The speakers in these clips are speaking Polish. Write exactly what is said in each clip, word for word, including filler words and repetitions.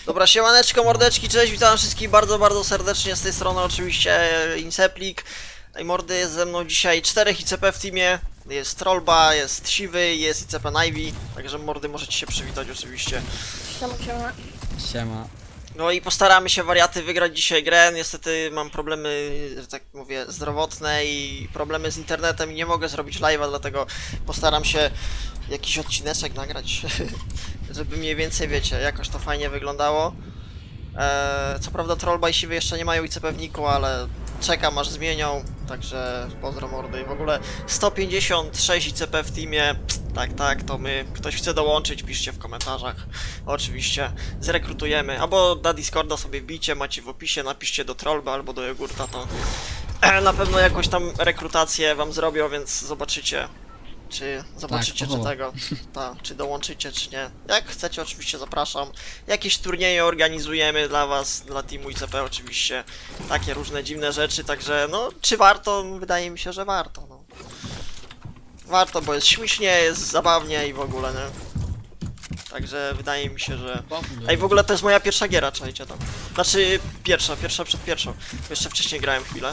Dobra, siemaneczko, mordeczki, cześć, witam wszystkich bardzo, bardzo serdecznie z tej strony oczywiście Inceplik. I mordy, jest ze mną dzisiaj czterech I C P w teamie. Jest Trollba, jest Siwy, jest I C P Navy. Także mordy, możecie się przywitać oczywiście. Siema, siema. Siema. No i postaramy się, wariaty, wygrać dzisiaj grę. Niestety mam problemy, że tak mówię, zdrowotne i problemy z internetem i nie mogę zrobić live'a, dlatego postaram się jakiś odcineczek nagrać, żeby mniej więcej, wiecie, jakoś to fajnie wyglądało. Eee, co prawda Trollba i Siwy jeszcze nie mają I C P w niku, ale czekam aż zmienią, także pozdro mordy. I w ogóle sto pięćdziesiąt sześć I C P w teamie, tak, tak, to my. Ktoś chce dołączyć, piszcie w komentarzach. Oczywiście, zrekrutujemy, albo na Discorda sobie wbijcie, macie w opisie, napiszcie do Trollba albo do Jogurta, to na pewno jakąś tam rekrutację wam zrobią, więc zobaczycie. Czy zobaczycie, Tak, czy tego, ta, czy dołączycie, czy nie. Jak chcecie, oczywiście zapraszam. Jakieś turnieje organizujemy dla was, dla teamu I C P oczywiście. Takie różne dziwne rzeczy, także no, czy warto? Wydaje mi się, że warto, no. Warto, bo jest śmiesznie, jest zabawnie i w ogóle, nie? Także wydaje mi się, że... Ej, w ogóle to jest moja pierwsza giera, czajcie tam. Znaczy, pierwsza, pierwsza przed pierwszą. Jeszcze wcześniej grałem chwilę.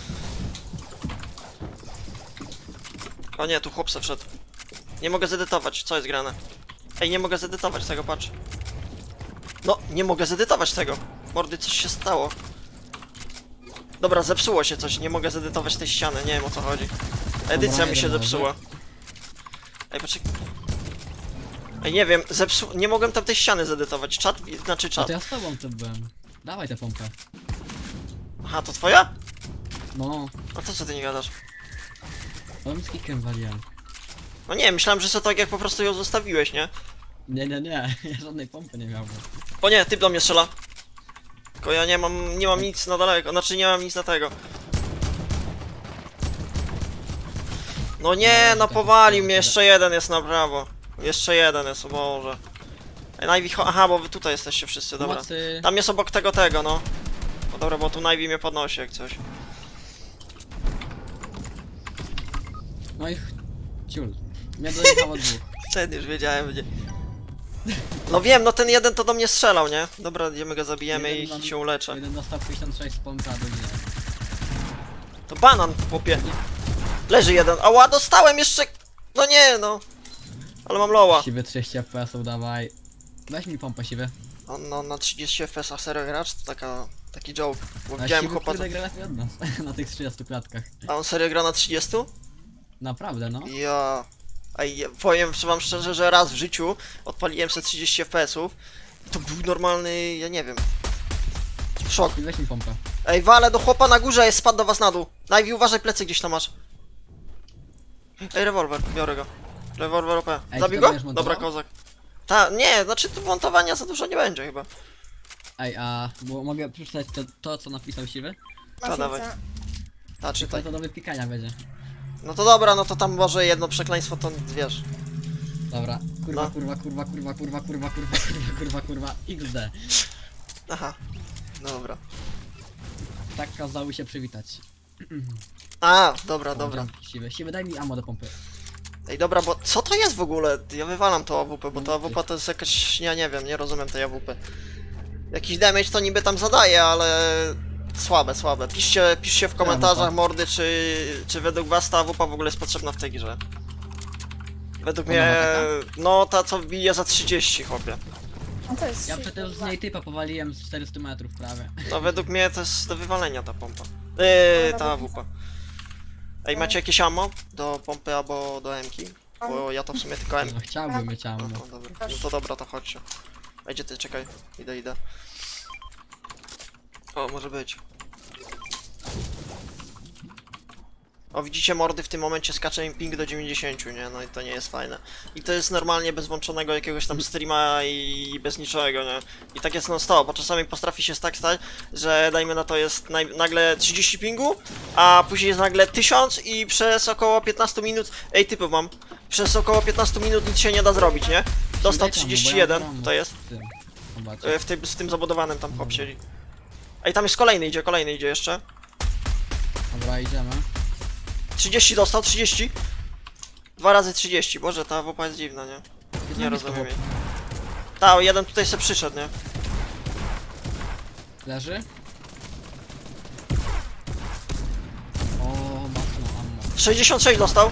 O nie, tu chłop se wszedł. Nie mogę zedytować, co jest grane? Ej, nie mogę zedytować tego, patrz. No, nie mogę zedytować tego. Mordy, coś się stało. Dobra, zepsuło się coś, nie mogę zedytować tej ściany, nie wiem o co chodzi. Edycja Dobra, mi się jeden zepsuła. Ej, poczekaj. Ej, nie wiem, zepsu... nie mogłem tam tej ściany zedytować. Czat, znaczy A czat. to ja z tobą tu byłem. Dawaj tę pompę. Aha, to twoja? No, A to co ty nie gadasz? ale mi z kickiem waliłem. No nie, myślałem, że to tak jak po prostu ją zostawiłeś, nie? Nie, nie, nie, ja żadnej pompy nie miałem. O nie, typ do mnie strzela. Tylko ja nie mam, nie mam nic na daleko, znaczy nie mam nic na tego. No nie, no powalił mnie, jeszcze jeden jest na prawo. Jeszcze jeden jest, o Boże. Ej, Navy, cho- aha, bo wy tutaj jesteście wszyscy, dobra. Pomocy. Tam jest obok tego, tego, no. No dobra, bo tu Navy mnie podnosi jak coś. No i ch- ciul. Mnie dojechało dwóch. Ten już wiedziałem, gdzie. No wiem, no ten jeden to do mnie strzelał, nie? Dobra, idziemy go zabijemy Jeden i mam- się uleczę. Jeden dostał pięćdziesiąt sześć z pompy, a drugi nie. To banan, chłopie. Leży jeden. Ała, dostałem jeszcze... No nie, no. Ale mam loła. Siwy trzydzieści F P S-ów, dawaj. Weź mi pompę, siwy. On no, na trzydzieści F P S-ach serio gracz? To taka... taki joke. Bo A widziałem siwy chłopa... kurde gra lepiej od nas. Na tych trzydziestu klatkach. A on serio gra na trzydziestu? Naprawdę, no. Ja... Ej, ja powiem wam szczerze, że raz w życiu odpaliłem sobie trzydzieści F P S-ów. To był normalny... ja nie wiem. Szok. I weź mi pompę. Ej, wale do chłopa na górze jest, spadł do was na dół. Najwi, uważaj, plecy gdzieś tam masz. Ej, rewolwer, biorę go. Rewolwer O P. Ej, Zabił ty go? będziesz montował? Dobra, kozak. Ta, nie, znaczy tu montowania za dużo nie będzie chyba. Ej, a bo mogę przeczytać to, to co napisał siwy? A, dawaj. Maszynce. Ta, To, czytaj. to do wypikania będzie. No to dobra, no to tam może jedno przekleństwo to wiesz. Dobra, kurwa, No. kurwa, kurwa, kurwa, kurwa, kurwa, kurwa, kurwa, kurwa, kurwa, X D. Aha. Dobra. Tak kazały się przywitać. A, dobra, O, dobra. dzięki, Siwy, siwy, daj mi ammo do pompy. Ej, dobra, bo co to jest w ogóle? Ja wywalam to A W P, bo to A W P to jest jakaś... ja nie wiem, nie rozumiem tej A W P. Jakiś damage to niby tam zadaje, ale... Słabe, słabe. Piszcie, piszcie w komentarzach, mordy, czy, czy według was ta A W P w ogóle jest potrzebna w tej grze. Według Ona mnie... ma no, ta co bije za trzydzieści, chłopie. A to jest Ja przecież z niej typa powaliłem z czterystu metrów prawie. No, według mnie to jest do wywalenia ta pompa. Yy, ta A W P. Ej, macie jakieś ammo do pompy albo do M-ki? Bo ja to w sumie tylko M. No chciałbym mieć No, ammo. no, dobra. No to dobra, to chodźcie. A gdzie ty? Czekaj. Idę, idę. O, może być. O, widzicie, mordy, w tym momencie skacze im ping do dziewięćdziesięciu, nie? No i to nie jest fajne. I to jest normalnie bez włączonego jakiegoś tam streama i bez niczego, nie? I tak jest non stop, bo czasami potrafi się tak stać, że dajmy na to jest naj- nagle trzydzieści pingu, a później jest nagle tysiąc i przez około piętnaście minut... Ej, typy mam. Przez około piętnaście minut nic się nie da zrobić, nie? Dostał Daj tam, bo trzydzieści ja jeden, mam to jest. w tym. Zobacz. E, W tym, z tym zabudowanym tam chłop siedzi. Ej, tam jest kolejny idzie, kolejny idzie jeszcze. Dobra, idziemy. trzydzieści dostał, trzydzieści. Dwa razy trzydzieści, boże, ta A W P jest dziwna, nie? Nie rozumiem jej. Ta, jeden tutaj se przyszedł, nie? Leży? O, mocno ammo. sześćdziesiąt sześć dostał.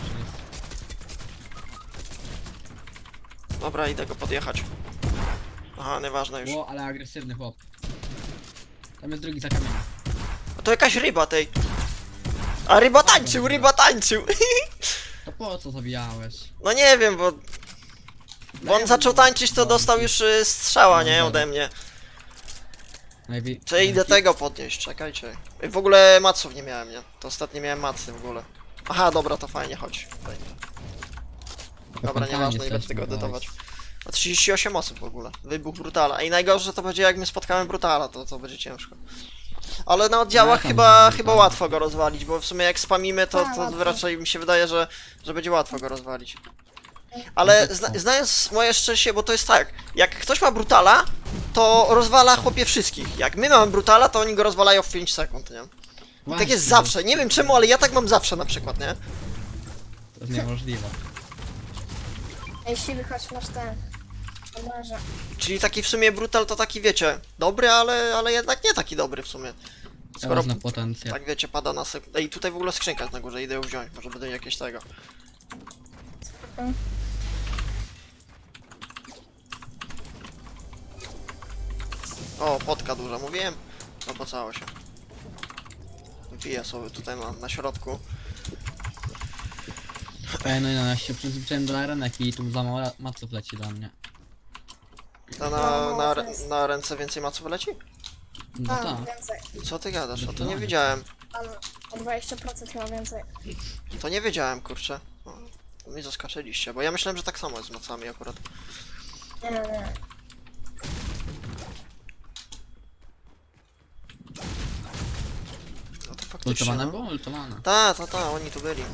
Dobra, idę go podjechać. Aha, nieważne już. O, ale agresywny chłop. Tam jest drugi za kamieniem. A to jakaś ryba tej. A ryba tańczył, ryba tańczył. To po co zabijałeś? No nie wiem, bo... Bo on zaczął tańczyć, to dostał już y, strzała, nie? Ode mnie. Najwi... Czy idę tego podnieść, czekajcie. Ej, w ogóle maców nie miałem, nie? To ostatnio miałem macy w ogóle. Aha, dobra, to fajnie, chodź. Fajnie. Dobra, nieważne, nie będę tego edytować. A trzydzieści osiem osób w ogóle. Wybuch Brutala. I najgorsze to będzie jak my spotkamy Brutala, to, to będzie ciężko. Ale na oddziałach No, tam chyba, jest chyba Brutal. łatwo go rozwalić, bo w sumie jak spamimy, to, Tak, to łatwo. raczej mi się wydaje, że, że będzie łatwo go rozwalić. Ale zna, znając moje szczęście, bo to jest tak, jak ktoś ma Brutala, to rozwala chłopie wszystkich. Jak my mamy Brutala, to oni go rozwalają w pięć sekund, nie? I tak jest zawsze, nie wiem czemu, ale ja tak mam zawsze na przykład, nie? To jest niemożliwe. Ej, siwy, chodź, masz ten. Omarze. Czyli taki w sumie Brutal to taki, wiecie, dobry, ale, ale jednak nie taki dobry w sumie. Skoro, Skoro... na potencjał. tak wiecie, pada na sek... Ej, tutaj w ogóle skrzynka jest na górze, idę ją wziąć, może będę jakieś tego. Spoko. O, potka duża, mówiłem? Opłacało się. Wbiję sobie tutaj na, na środku. Ej, no i no, ja się przyzwyczaiłem do arenek i tu za mało maców leci do mnie. To na, na, na ręce więcej maców leci? No A, tak. więcej. Co ty gadasz? A to nie Zdecydowanie. wiedziałem. Tam o dwadzieścia procent chyba więcej. To nie wiedziałem, kurczę. O, to mnie zaskoczyliście, bo ja myślałem, że tak samo jest z macami akurat. Nie, nie, nie. No to faktycznie. Ultowane No. było? Ultowane. Ta, ta, ta, oni tu byli.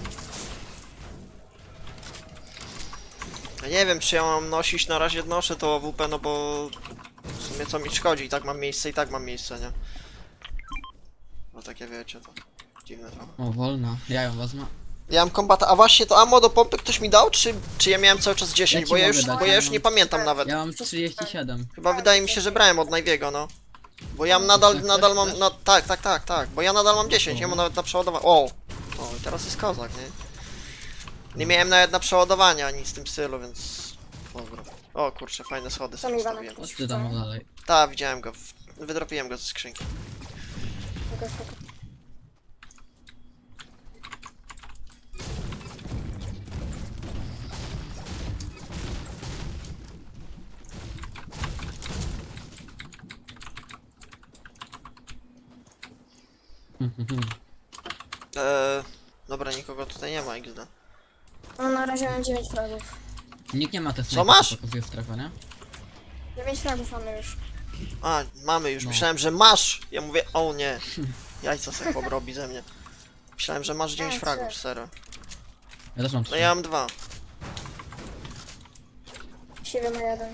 Ja nie wiem, czy ja mam nosić, na razie noszę to A W P, no bo w sumie co mi szkodzi, i tak mam miejsce, i tak mam miejsce, nie? No takie wiecie, to dziwne trochę. O, wolna. Ja ją wezmę. Ja mam kombata, a właśnie to ammo do pompy ktoś mi dał, czy, czy ja miałem cały czas dziesięć, Ja ci bo ja mogę już, dać, bo ja ja już mam- nie pamiętam nawet. Ja mam trzydzieści siedem. Chyba wydaje mi się, że brałem od Najwiego, no. Bo ja nadal, Chcesz, nadal chcesz, mam, chcesz? na, tak, tak, tak, tak, bo ja nadal mam dziesięć, ja mam nawet na przeładowanie, o! O, i teraz jest kozak, nie? Nie miałem nawet na przeładowanie ani z tym stylu, więc... Dobra. O kurczę, fajne schody To sobie mi dano ustawiłem. Chodź ty tam dalej. Tak, widziałem go, w- wydropiłem go ze skrzynki. Spoko, spoko. Eee, dobra, nikogo tutaj nie ma, X D. No na razie mam dziewięć fragów. Nikt nie ma te Co masz? pokazuje strefę, nie? dziewięć fragów mamy już. A, mamy już, No. myślałem, że masz! Ja mówię, o nie. Jajca se chłop robi ze mnie. Myślałem, że masz dziewięć A, fragów, trzy. serio. Ja też mam No trzy. ja mam dwa. Siwy ma jeden.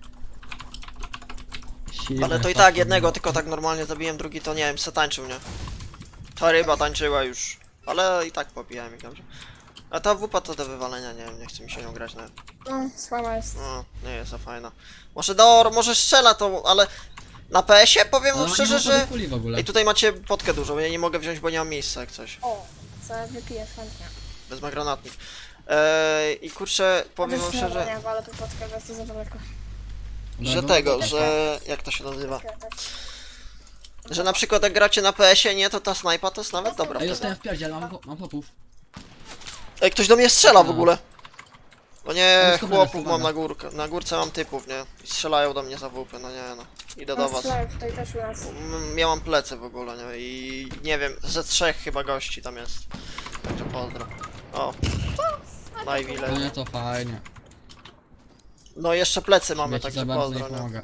Siwe, Ale to i fajne. tak jednego tylko tak normalnie zabiłem, drugi to nie wiem, se tańczył, nie? Ta ryba tańczyła już. Ale i tak pobijałem ich dobrze. A ta wupa to do wywalenia, nie wiem, nie chce mi się nią grać nawet. No, słaba jest. No, nie jest za fajna. Może do, może strzela to, ale na P S ie powiem Ale wam oni szczerze, mają że... sobie puli w ogóle. Ej, tutaj macie potkę dużą, ja nie mogę wziąć, bo nie mam miejsca jak coś. O, co wypiję chętnie. Wezmę granatnik. Eee, I kurczę, powiem wam Też szczerze, nie, ale tu podkę, bo jest to za daleko. że Dobra, tego, dobra. że... jak to się nazywa? Okej, tak. Że na przykład jak gracie na P S ie, nie, to ta snajpa to jest nawet dobra Ej, wtedy. dostałem w pierdziel, mam, po- mam popów. Ej, ktoś do mnie strzela w No. ogóle. O nie, No, schowaj, chłopów schowaj. mam na górkę. Na górce mam typów, nie? I strzelają do mnie za wupy, no nie no. Idę do No, was. strzelają tutaj też u nas. M- Ja mam plecy w ogóle, nie? I nie wiem, ze trzech chyba gości tam jest. Także pozdro. O, Najwi No leży. nie, to fajnie. No jeszcze plecy mamy, Ja ci także za bardzo nie pozdro, nie? pomogę.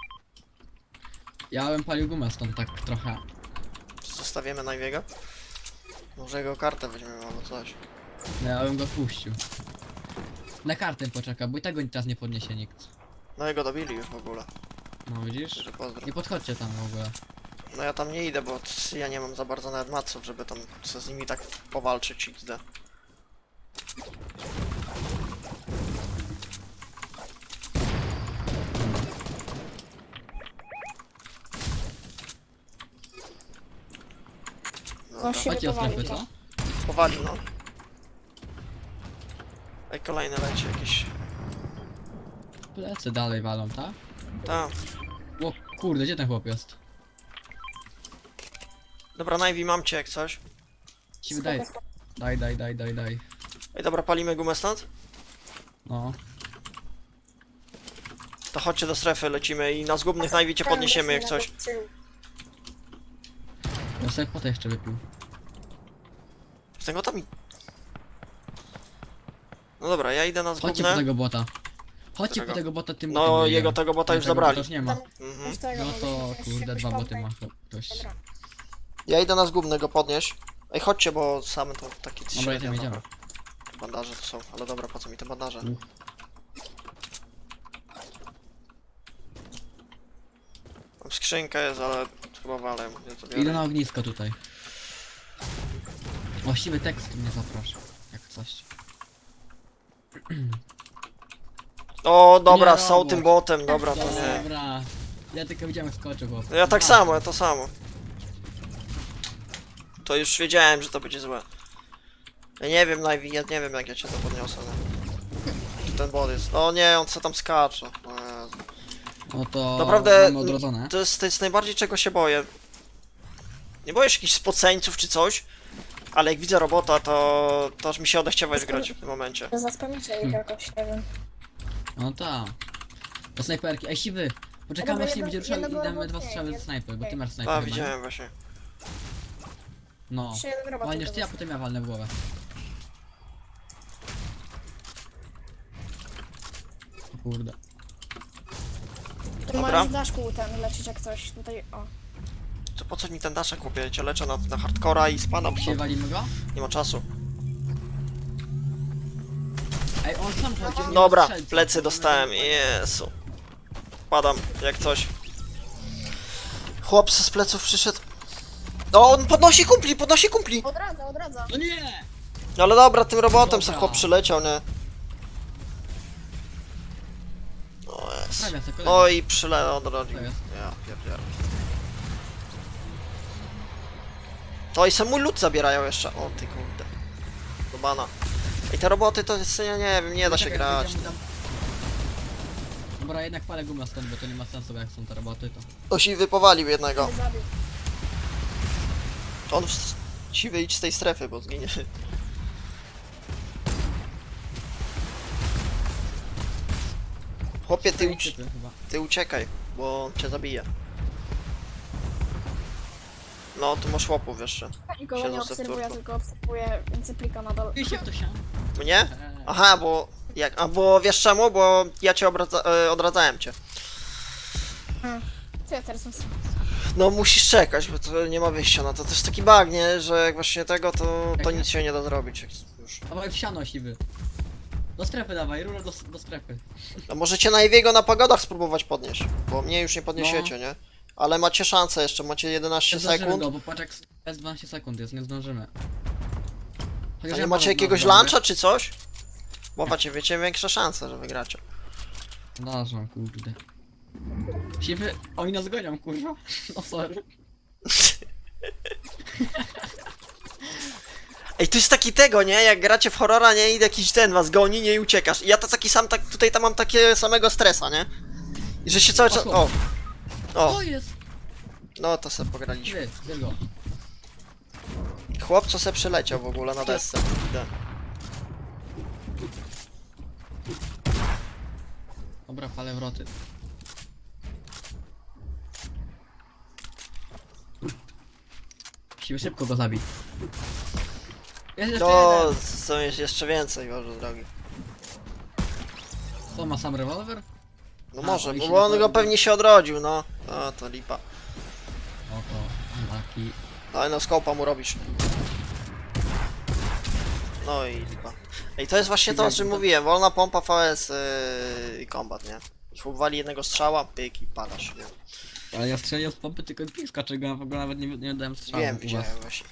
Ja bym palił gumę stąd tak trochę. Zostawimy Najwiego? Może jego kartę weźmiemy albo coś. No, ja bym go puścił. Na kartę poczeka, bo i tego teraz nie podniesie nikt. No jego dobili już w ogóle. No widzisz? Także pozdro. Nie podchodźcie tam w ogóle. No ja tam nie idę, bo t- ja nie mam za bardzo nawet maców, żeby tam co z nimi tak powalczyć X D. No siebie Chodźcie o strefy, powalił, co? to. Powali, no. Ej, kolejne leci jakieś. Plecy dalej walą, tak? Tak. O kurde, gdzie ten chłop jest? Dobra, Navy, mam cię jak coś. Ci wydaje. Spoko, spoko. Daj, daj, daj, daj, daj. Ej, dobra, palimy gumę stąd? No. To chodźcie do strefy, lecimy i na zgubnych Navy cię podniesiemy jak coś. Ja sobie potę jeszcze wypił. Z tego tam... No dobra, ja idę na Chodźcie po zgubne. tego bota. Chodźcie Którego? po tego bota tym No, botem jego biegam. tego bota już Tego zabrali. Już nie ma. Mhm. No to kurde, dwa boty ma ktoś. Dobra. Ja idę na zgubny go podnieść. Ej, chodźcie, bo same to takie Dobra, średnie, jedziemy, jedziemy. Bandaże to są, ale dobra, po co mi te bandaże? Uff. Mam skrzynkę jest, ale chyba walę. Ja to biorę. Idę na ognisko tutaj. Właściwy tekst mnie zaprasza. Jak coś. O, dobra, Nie, są robot. tym botem, dobra, to nie. Dobra. Ja tylko widziałem jak skoczył chłop. No ja tak A, samo, ja to samo. To już wiedziałem, że to będzie złe. Ja nie wiem, Navy, ja nie wiem jak ja cię to podniosę. No. Tu ten bot jest. O nie, on co tam skacze. O Jezu. No to Naprawdę, mamy odrodzone. To jest, to jest najbardziej czego się boję. Nie boję się jakichś spoceńców czy coś, ale jak widzę robota, to, to aż mi się odechciewać grać w tym momencie. Zaspamicie ich jakoś, nie wiem. No tak. Do snajperki. Ej, siwy! Poczekamy Dobra, aż nie jedno- będzie ruszał i jednego damy dwa robota, strzały nie, ze snajpy, bo ty nie. masz snajpę. A, chyba, nie? widziałem właśnie. No. Jeszcze jeden robot. Walniesz tylko ty, a został. potem ja walnę w głowę. O kurde. Tu Dobra. możesz w daszku ten lecieć jak coś. Tutaj, o. To po co mi ten daszek kupię? Ja cię leczę na, na hardcora i spadam, Dzisiaj bo walimy go? nie ma czasu. Ej, on sam chodzi, on nie ma Dobra, strzelca. plecy dostałem, jesu. Padam, jak coś. Chłop z pleców przyszedł. O, on podnosi kumpli, podnosi kumpli! Odradza, odradza. No nie! No ale dobra, tym robotem Dobra. sobie chłop przyleciał, nie? O jest. Prawie se kolejny. Oj, przyle odrodził. To jest. Ja pierdzielę. To i sam mój lód zabierają jeszcze. O ty kurde. Do bana. I te roboty to jest, ja nie wiem, nie da się Czekaj, grać. będziemy tam- Dobra, jednak palę gumę stąd, bo to nie ma sensu, bo jak są te roboty, to... O, siwy powalił jednego. Zabił. On w... Siwy idź z tej strefy, bo zginie. Chłopie, ty, uci Typy chyba. ty uciekaj, bo on cię zabije. No, tu masz chłopów jeszcze. Nikogo Siedzą nie se w obserwuję, turku. tylko obserwuję cyplika na dole. Pij się w to siano. Mnie? Eee. Aha, bo... Jak? A, bo wiesz czemu? Bo ja cię obradza... e, odradzałem cię. Co ja teraz mam? No musisz czekać, bo to nie ma wyjścia na to. To jest taki bug, nie? Że jak właśnie tego, to, to nic się nie da zrobić. Jak już. Dawaj w siano, siwy. Do strefy dawaj, rura do, do strefy. A możecie na Ewiego na pagodach spróbować podnieść, bo mnie już nie podniesiecie, nie? Ale macie szansę jeszcze, macie jedenaście Nie zdążymy sekund. go, bo patrz jak jest dwanaście sekund jest, nie zdążymy. A Chociaż nie ja macie mam- jakiegoś mam luncha czy coś? Bo macie, wiecie, większe szanse, że wygracie. Zdarzam, kurde. Siwy, oni nas gonią, kurwa. No sorry. Ej, to jest taki tego, nie? Jak gracie w horrora, nie? I jakiś ten was goni, nie? I uciekasz. I ja to taki sam, tak, tutaj tam mam takie samego stresa, nie? I że się cały czas... O! O! O jest! No to se pograliśmy. Siwy, bierz go. Chłop co se przyleciał w ogóle na desce. Idę. Dobra, palę wroty. Siwy, szybko go zabij. Jest jeszcze No, jeden. są jeszcze- jeszcze więcej, Boże drogi. Co, ma sam rewolwer? No A, może, oni bo się on go naprawdę- pewnie się odrodził, no. No to lipa. O, to taki. No i no skopa mu robisz. No i lipa. Ej, to jest właśnie to, o czym mówiłem. Wolna pompa V S yy, i kombat, nie? Chłop wali jednego strzała, pyk i palasz, nie? Ale ja strzeliłem z pompy tylko z piska, czego ja w ogóle nawet nie, nie dałem strzału Wiem, u was. widziałem właśnie.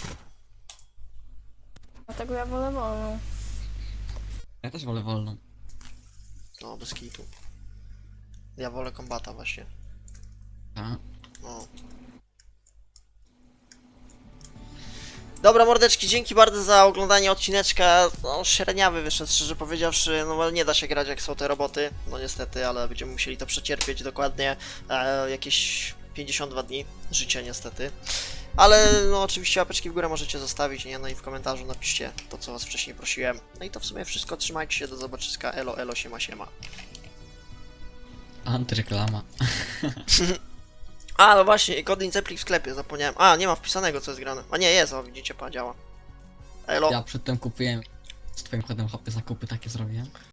Dlatego ja wolę wolną. Ja też wolę wolną. No, bez kitu. Ja wolę kombata właśnie. A? No. Dobra, mordeczki, dzięki bardzo za oglądanie odcineczka. No, średniawy wyszedł, szczerze powiedziawszy. No, ale nie da się grać jak są te roboty. No niestety, ale będziemy musieli to przecierpieć dokładnie e, jakieś pięćdziesiąt dwa dni życia niestety. Ale no oczywiście łapeczki w górę możecie zostawić, nie? No i w komentarzu napiszcie to, co was wcześniej prosiłem. No i to w sumie wszystko. Trzymajcie się, do zobaczyska. Elo, elo, siema, siema. Antyreklama. A, no właśnie, kod Inceplik w sklepie, zapomniałem. A, nie ma wpisanego, co jest grane. A nie, jest, o, widzicie, pa, działa. Elo. Ja przedtem kupiłem z twoim kodem hopy zakupy takie zrobiłem.